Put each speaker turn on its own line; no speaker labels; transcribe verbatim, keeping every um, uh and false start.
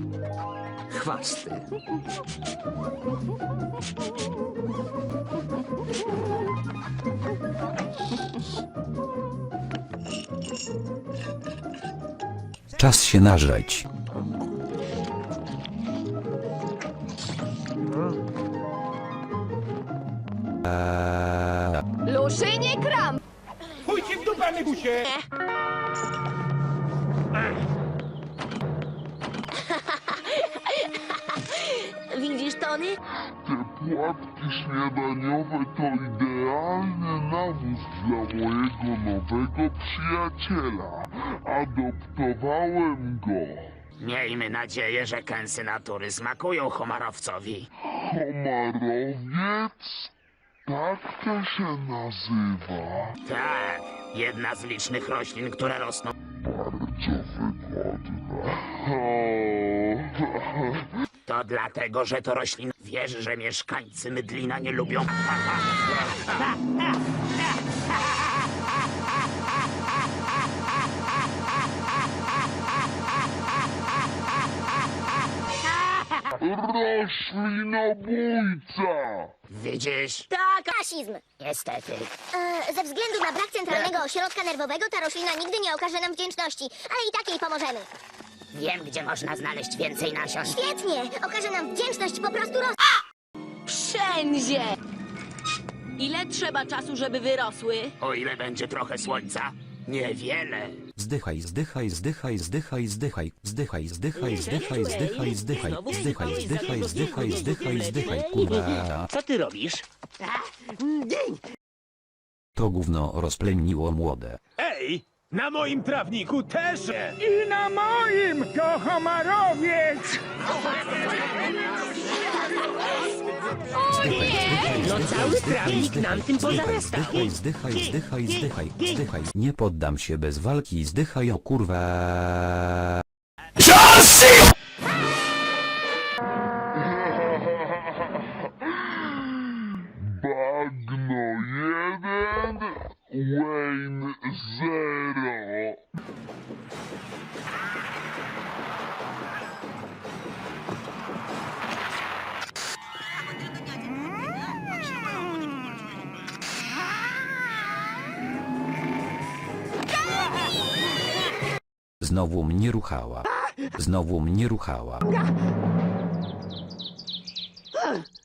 Chwasty.
Czas się nażreć.
Luszynie kram!
Pójdźcie w dupę, Nygusie!
Widzisz, Tony?
Te płatki śniadaniowe to idealny nawóz dla mojego nowego przyjaciela. Adoptowałem go.
Miejmy nadzieję, że kęsy natury smakują homarowcowi.
Homarowiec? Tak to się nazywa.
Tak, jedna z licznych roślin, które rosną.
Bardzo wygodna.
To dlatego, że to roślina. Wiesz, że mieszkańcy Mydlina nie lubią.
Roślinobójca!
Widzisz?
Tak, rasizm.
Niestety.
E, ze względu na brak centralnego ośrodka nerwowego ta roślina nigdy nie okaże nam wdzięczności, ale i tak jej pomożemy.
Wiem, gdzie można znaleźć więcej nasion.
Świetnie! Okaże nam wdzięczność po prostu roz...
Wszędzie! Ile trzeba czasu, żeby wyrosły?
O ile będzie trochę słońca? Niewiele.
Zdychaj, zdychaj, zdychaj, zdychaj, zdychaj, zdychaj, zdychaj, zdychaj, zdychaj, zdychaj, zdychaj, zdychaj, zdychaj, zdychaj, zdychaj, kurwa.
Co ty robisz?
To gówno rozpleniło młode.
Ej, na moim trawniku też! I na moim to homarowiec!
No cały trawnik nam tym pozarastał. Zdychaj, zdychaj, zdychaj, zdychaj, zdychaj. Nie poddam się bez walki, zdychaj o kurwa.
Bagno jeden, Wayne zero.
Znowu mnie ruchała. Znowu mnie ruchała.